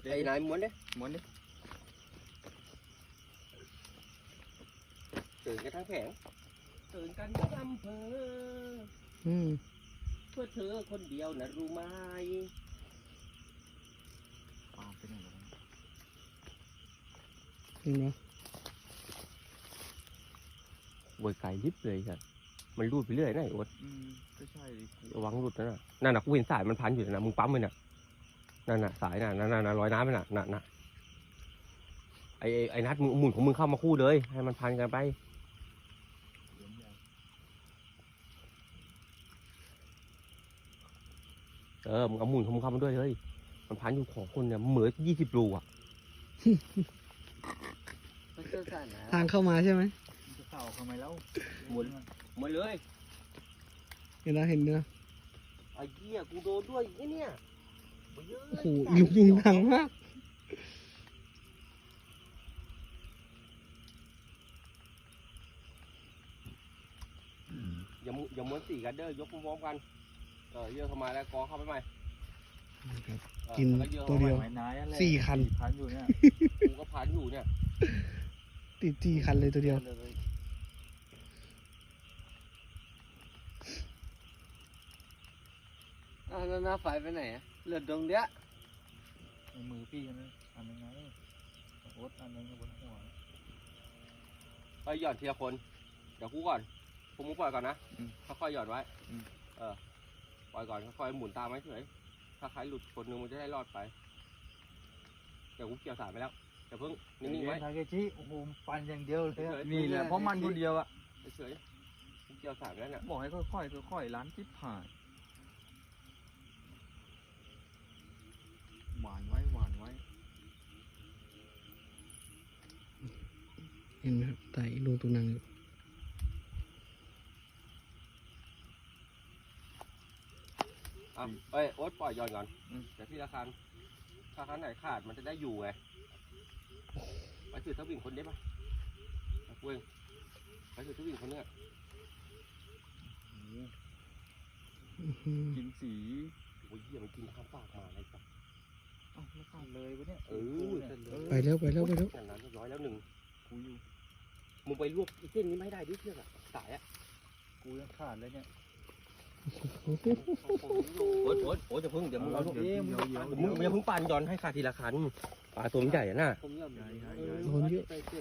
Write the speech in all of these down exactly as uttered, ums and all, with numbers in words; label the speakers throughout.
Speaker 1: ไอ้นายม้วนดิม้วนดิตื่นกันทั้งแผงตื่นกันทั้งอำเภออืมเพื่อเธอคนเดียวนะรู้ไหมปาเป็นยังไงเห็นไหมโวยไก่ยิบเลยครับมันรูดไปเรื่อยนะไอ้โอ๊ตอืมก็ใช่ดิระวังรูดนะนั่นน่ะกูเห็นสายมันพันอยู่นะมึงปั๊มมันน่ะนั่นน่ะสายน่ะนั่นน่ะลอยน้ำมันน่ะน่ะน่ะไอ้ไอ้นัดมึงหมุนของมึงเข้ามาคู่เลยให้มันพันกันไปเออมึงเอาหมุนของมึงเข้ามาด้วยเลยมันพันอยู่ของคนเนี่ยเหมือนยี่สิบรูอ่ะ
Speaker 2: ทางเข้ามาใช่ไหม
Speaker 3: จะเต่าทำไมแล้ว
Speaker 1: หมุนหมุนเลย
Speaker 2: เห็นแล้วเห็นเนื้อ
Speaker 1: ไอ้เหี้ยกูโดนด้วยไอ้เนี่ย
Speaker 2: โอ้โหยุงยุงดังมาก
Speaker 1: อย่ามุอย่าม้วนสี่กันเด้อยกพร้อมกันเออเยอะเข้ามาแล้วกอเข้าไปใหม่
Speaker 2: กินตัวเดียวสี่คัน
Speaker 3: พันอยู่เนี่ย
Speaker 1: กูก็พันอยู่เนี่ย
Speaker 2: ติดสี่คันเลยตัวเดียว
Speaker 4: อ้าวแล้วหน้าไฟไปไหนอะเหลือดงเดียว
Speaker 3: ในมือพี่นะทำยังไงโอ๊ตอันนึงบนหัว
Speaker 1: ไปหย่อนทีละคนเดี๋ยวกูก่อนผมมึงปล่อยก่อนนะค่อยๆหย่อนไว้เออปล่อยก่อนค่อยๆหมุนตามไว้เฉยถ้าใครหลุดคนนึงมันจะได้รอดไปเดี๋ยวกูเกี่ยวสายไปแล้วเดี๋ยวเพิ่งนิ่งๆไว้
Speaker 3: ทาเกจิโอ้โหปั่นอย่างเดียวเลยนี่แหละเพราะมันคนเดียวอะ
Speaker 1: เฉยๆกูเกี่ยวสายไปแล้วเนี่ย
Speaker 3: บอกให้ค่อยๆค่อยๆล้านจิ๊บผ่านหวานไว้หวานไว้
Speaker 2: เห็นไหมครับไต่ลงตรงนั้น
Speaker 1: อ่ะเอ้ยโอ๊ตปล่อยย้อนก่อนเดี๋ยวที่ละคันถ้าคันไหนขาดมันจะได้อยู่ไงไปถือทวิ่งคนได้ปะเว้ยไปถือทวิ่งคนเนี้ย
Speaker 3: กินสี
Speaker 1: โอ้ยเหี้ยมันกินข้าวปากมาอะไรสัก
Speaker 3: อ้าวไม่ขาดเลยวะเนี่ย
Speaker 1: เออ
Speaker 2: ไปแล้วไปแล้วไปแล้ว
Speaker 1: อย่างนั้นร้อยแล้วหนึ่ง
Speaker 3: กูอยู่
Speaker 1: มึงไปลวกเส้นนี้ไม่ได้ดิเชือกอะสายอะ
Speaker 3: กูยังขาดเลยเนี่ย
Speaker 1: โอ๊ตโอ๊ตโอ๊ตจะพึ่งเดี๋ยวมึงเอาลูกมึงอย่าพึ่งปั่นย้อนให้ขาดทีละคันปลาตัวใหญ่อะน่ะ
Speaker 2: คนเยอะ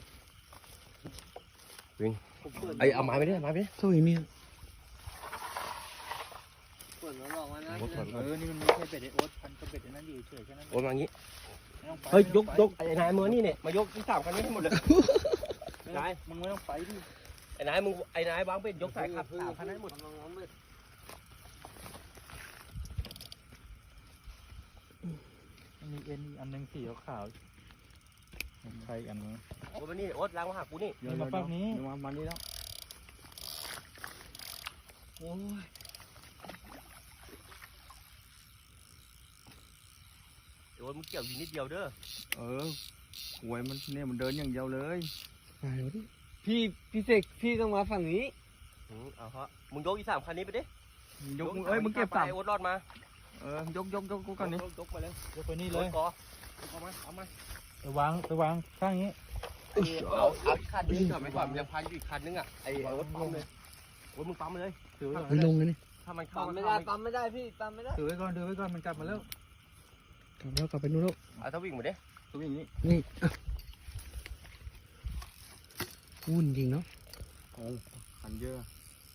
Speaker 1: วิ่งไอเอาไม้ไปดิไม้ไปดิ
Speaker 2: สู้อีกเนี่ย
Speaker 4: ฝนมันบอกว่านะ
Speaker 3: เออนี่มันไม่ใช่เป็ดไอโอ๊ตพันกับเป็ดไอ้นั่นอยู่เฉยแค่นั้น
Speaker 1: โอ๊ตมางี้เฮ้ยยกยกไอ้นายมือนี่เนี่ยมายกที่สามคันนี้ให้หมดเลยนาย
Speaker 3: มึงไม่ต้องไปดิ
Speaker 1: ไอ้นายมึงไอ้นายวางเป็ดยกสายขับสามคันให้หมด
Speaker 3: มีเอ็นอันนึงสีขาวใครอันนี้
Speaker 1: โอ๊ตมานี่โอ๊ตล้างมาหากูนี่
Speaker 3: เดี๋ยวมาฝั่งนี้เดี๋ยวมามานี่แล้ว
Speaker 1: โอ้ยโอ๊ตมึงเกี่ยวอยู่นิดเดียวเด้อ
Speaker 3: เออหวยมันเนี่ยมันเดินอย่างเดียวเลย
Speaker 4: พี่พี่เสกพี่ต้องมาฝั่งนี้
Speaker 1: เอาฮะมึงยกอีสามคันนี้ไปดิ
Speaker 3: ยกเอ้ยมึงเก็บสาม
Speaker 1: โอ๊ตรอดมา
Speaker 3: เออยกยกยกกูก่อนนี้
Speaker 1: ยกไปเลย
Speaker 3: ยกไปนี่เลย
Speaker 1: เอามาเอามา
Speaker 3: ไปวางไปวางข้างนี้
Speaker 1: เอาเอาคันนี้ก่อนไปก่อนยังพันอยู่อีกคันนึงอ่ะไอ้โอ๊ตปั๊มเลยโอ๊ตมึงปั๊มเลย
Speaker 2: ถือไปลงเลยนี่
Speaker 1: ถ้ามันเข้า
Speaker 4: ไม่ได้ปั๊มไม่ได้พี่ปั๊มไม่ได้
Speaker 3: ถือไว้ก่อนถือไว้ก่อนมันกลับมาแล้ว
Speaker 2: กลับแล้วกลับไปนู่นแล้ว
Speaker 1: เอาถ้าวิ่งมาดิ
Speaker 3: ตัววิ่งนี้
Speaker 2: นี่วุ่นจริงเนาะ
Speaker 3: โอ้ขันเยอะ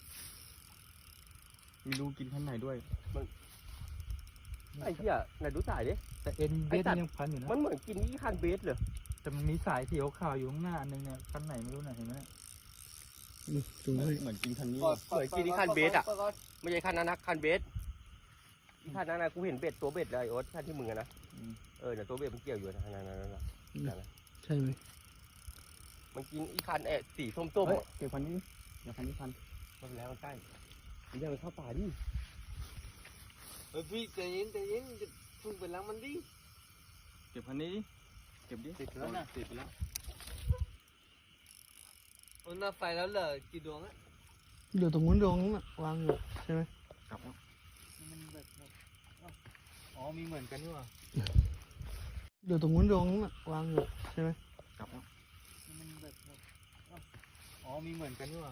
Speaker 3: มีรูกินข้างในด้วย
Speaker 1: มันไอ้เหี้ยไหนดูสายดิ
Speaker 3: แต่เอ็นเบสยังพันอยู่นะ
Speaker 1: มันเหมือนกินนี่คันเบสเลย
Speaker 3: แต่มันมีสายสีขาวอยู่ข้างหน้าอันนึงเนี่ยคันไหนไม่รู้นะเห็นไหม
Speaker 2: ดูให้
Speaker 3: เหมือนกินคันนี้
Speaker 1: เหมือนกินนี่คันเบสอ่ะไม่ใช่คันนั้นนะคันเบสที่คันนั้นนะกูเห็นเบ็ดตัวเบ็ดเลยโอ๊ตคันที่มึงนะเออเดี๋ยวตัวเบ็ดมันเกี่ยวอยู่นะนั่นนั่นนั่น
Speaker 2: ใช่ไหม
Speaker 1: มันกินอีคันเอสีส้มๆ
Speaker 3: เก็บคันนี้เดี๋ยวคันนี้คัน
Speaker 1: มันแล้วมันใกล้มันยังมันเข้าป่าดิ
Speaker 4: เฮ้ยพี่ใจเย็นใจเย็นจะพึ่งไปล้างมันดิ
Speaker 3: เก็บคันนี้เก็บดิ
Speaker 1: ติดแล้วนะติดไปแล้ว
Speaker 4: โอ้หน้าไฟแล้วเหลือกี่ดวงอะ
Speaker 2: เดี๋ยวตรงนู้นดวงนั้นวางอยู่ใช่ไหม
Speaker 3: กลับมันแบบอ๋อมีเหมือนกันนี่หว่า
Speaker 2: เดี๋ยวตรงนู้นตรงนู้นอะวางอยู่ใช่ไหม
Speaker 3: จับแล้วมันแบบอ๋อมีเหมือนกันด้วย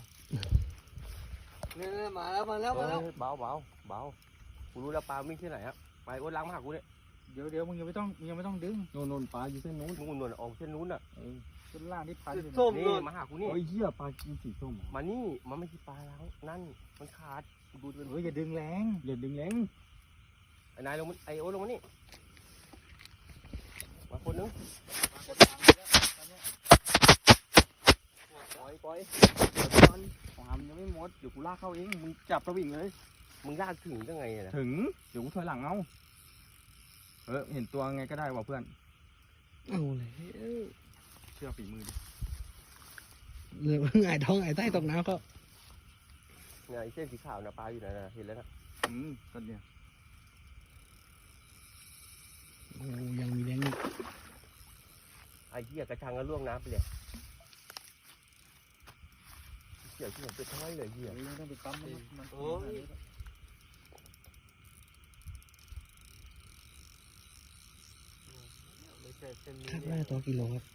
Speaker 4: เนี่ยมาแล้วมาแล้วมาแล้ว
Speaker 1: เฮ้ยเบาเบาเบากูรู้แล้วปลาวิ่งที่ไหนครับไปโอ๊ตล้างมาหากูเนี่ย
Speaker 3: เดี๋ยวเดี๋ยวมึงยังไม่ต้องมึงยังไม่ต้องดึง
Speaker 2: โน่นโน่นปลาอยู่เส้นนู้น
Speaker 1: นู่นนู่นออกเส้นนู้นอ่ะ
Speaker 3: ต้นล่างที่พันอยู่
Speaker 4: ส้ม
Speaker 1: นี่
Speaker 4: นู่น
Speaker 1: มาหากูนี่
Speaker 2: โอ้ยเหี้ยปลากินสีส้ม
Speaker 1: มานี่มันไม่ใช่ปลาล้างนั่นมันขาดกูดูเป็น
Speaker 3: เฮ้ยอย่าดึงแรง
Speaker 2: เด็ดดึงแรง
Speaker 1: ไอ้นายลงมาไอ้โอ๊ตลงมานี่มาคนนึงปล่อยปล่อย
Speaker 2: ความยังไม่หมดเดี๋ยวกูลากเข้าเองมึงจับสวิงเลย
Speaker 1: มึงลากถึงยังไงเนี่ยนะ
Speaker 2: ถึงเดี๋ยวกูถอยหลังเอาเออเห็นตัวไงก็ได้ว่ะเพื่อน
Speaker 5: เอาเลย
Speaker 2: เชื่อฝีมือดิ
Speaker 5: เหลือหงายท้องหงายใต้ตกน้ำก็
Speaker 1: เนี่ยไอ้เส้นสีขาวนะปลาอยู่ไหนนะเห็นแล้วนะ
Speaker 2: อืมก็เนี่ย
Speaker 5: โอ้ยังมีแรงอีก
Speaker 1: ไอ้เหี้ยกระชังก็ล่วงน้ำไปเลยเกี่ยวที่ผมเป็นท้อยเลยเหี้ย
Speaker 3: เฮ้ยไม่ต้องไปปั๊มมันมัน
Speaker 4: โอ้ย ไม่ใช่เส้นนี้
Speaker 5: คาดว่าตัวกิโลครับ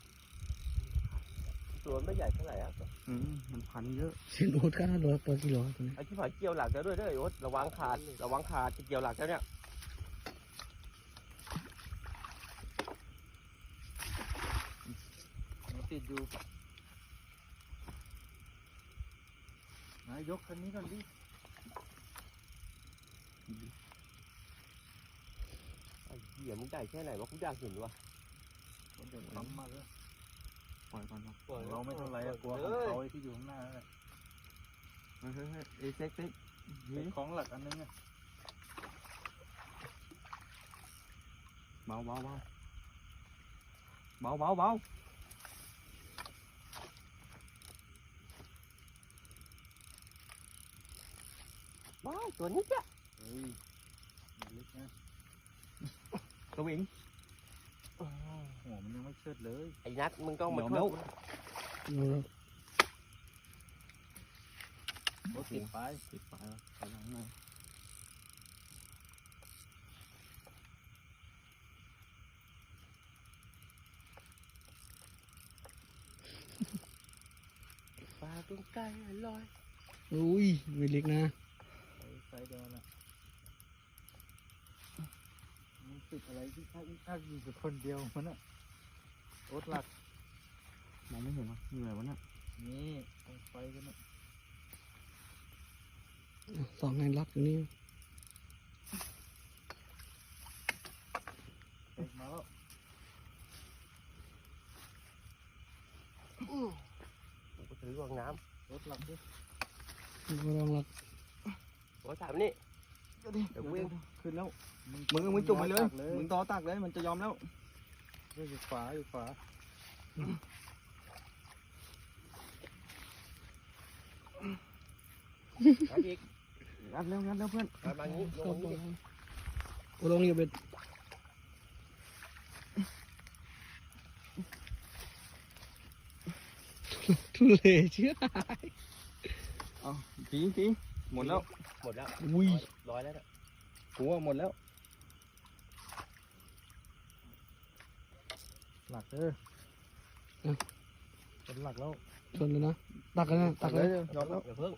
Speaker 1: ตัวไม่ใหญ่เท่าไหร่อ่ะ
Speaker 2: อืมมันพันเยอะ
Speaker 5: เส้นโอ๊ตคาดว่าตัวตัวกิโลครับตัวนี้
Speaker 1: ไอ้ที่ผ่านเกี่ยวหลักแล้วด้วยเด้อไอ้โอ๊ตระวังขาดระวังขาดจะเกี่ยวหลักแล้วเนี่ย
Speaker 3: มันติดอยู่นายยกคันนี้ก่อนดิ
Speaker 1: ไอ้เหี้ยมึงใหญ่แค่ไหนวะกูอยากเห็นวะ
Speaker 3: เดี๋ยวปั๊มมาเลย
Speaker 2: ปล่อยก่อนเนาะ
Speaker 4: ปล่อย
Speaker 3: เราไม่เท่าไรอะกลัวของเขาไอ้ที่อยู่ข้างหน้านั่นแหละ
Speaker 2: เฮ้ยเฮ้ยเฮ้ยเอ้ยเซ็กเซ็ก
Speaker 3: ไอ้ของหลักอันนึงอะ
Speaker 2: เบาเบาเบาเบาเบาเบา
Speaker 1: ว้ายตัวนี้จ้ะ
Speaker 3: เฮ้ยมันเล็กนะ
Speaker 2: สวิง
Speaker 3: หัวมันยังไม่เชิดเลย
Speaker 1: ไอ้นัทมึงต้องมา
Speaker 2: เดี๋ยว
Speaker 1: ช่วย
Speaker 2: แล้ว
Speaker 5: โอ้
Speaker 3: รถติดไป
Speaker 2: ติดปลายแล้วถอยหลังหน่อย
Speaker 1: ปลาตุ้งไก่ลอย
Speaker 5: อุ้ยไม่เล็กนะ
Speaker 3: ไอ้ไซเดอนอะมันติดอะไรที่ถ้าถ้าอยู่กับคนเดียวมันอะรถหลัก
Speaker 2: มองไม่เห็นวะเหนื่อยวะเนี่ย
Speaker 3: นี่ตรงไฟกันนะ
Speaker 5: สองงานล็อกอยู่นี่
Speaker 3: เอ็กมาแล้ว
Speaker 1: กูก็ถือวางน้
Speaker 3: รถหลักดิ
Speaker 5: ก็ลองล็อก
Speaker 1: ำโอ๊ตถามนี่
Speaker 2: เดี๋ยวดิ
Speaker 1: เดี๋ยวกูเอง
Speaker 2: ขึ้นแล้วมึงมึงจุ่มไปเลยมึงต่อตักเลยมันจะยอมแล้ว
Speaker 3: เฮ้ยอยู่ขวาอยู่ขวา
Speaker 1: เอาอีก
Speaker 2: งัดเร็วงัดเร็วเพื่อน
Speaker 1: มาบางนี้ล
Speaker 5: ก็
Speaker 1: ง
Speaker 5: ล
Speaker 1: มา
Speaker 5: อง
Speaker 1: นี้
Speaker 5: โอ้ลองอยู่เป็นทุเรศเชื่อ
Speaker 2: เอาทีทีหมดแล้ว
Speaker 1: หมดแล้ว
Speaker 5: อุ้ย
Speaker 1: ร้อยแล้วนะ
Speaker 2: กูว่าหมดแล้ว
Speaker 3: หลักเออเป็นหลักแล้ว
Speaker 5: ชนเลยนะตักกันนะตักเลย
Speaker 2: ยอมแล้ว
Speaker 1: อย่าเพิ่ง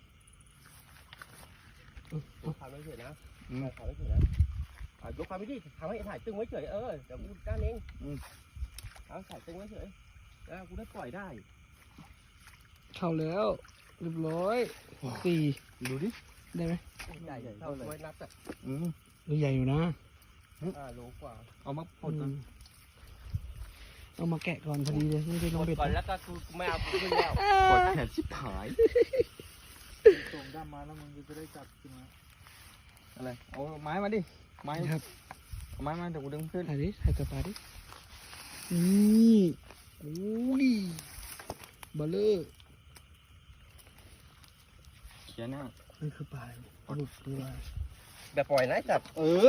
Speaker 1: ทำไม่เฉยนะ
Speaker 2: อืม
Speaker 1: ทำไม่เฉยนะอ่ะยกความไม่ดีทำให้ถ่ายตึงไว้เฉยเออเดี๋ยวกูด้านเองเอาถ่ายตึงไว้เฉยแล้วกูได้ปล่อยได้
Speaker 5: เข้าแล้วเรียบร้อยสี่
Speaker 2: ดูดิ
Speaker 5: ได้ไหม
Speaker 1: ใหญ่เท่าไว้นับอ่ะ
Speaker 2: อืม
Speaker 5: ตัวใหญ่อยู่นะ
Speaker 1: อ่าโลกว่า
Speaker 2: เอามาพดก่อน
Speaker 5: อืมเอามาแกะก่อนพอดีเลยไม่ได้ล
Speaker 1: ก
Speaker 5: ง
Speaker 1: ด
Speaker 5: เบ็ด
Speaker 1: ก่อน
Speaker 5: นะ
Speaker 1: แล้วก็กูไม่เอากูขึ้นแล้ว
Speaker 2: กดแขนชิบหาย
Speaker 3: ส่งด้ามมาแล้วมึงจะได้จับขึ้นมา
Speaker 2: อะไรเอาไม้มาดิไม้
Speaker 5: ครับ
Speaker 2: เอาไม้มาเดี๋ยวกูดึงขึ้น
Speaker 5: ถ่ายดิถ่ายตัวปลาดินี่โอ้ยเบลเลอร์
Speaker 2: เขียนหน้า
Speaker 5: นี่คือปลาปลาดุกตัว
Speaker 1: แบบปล่อยนะจับ
Speaker 2: เออ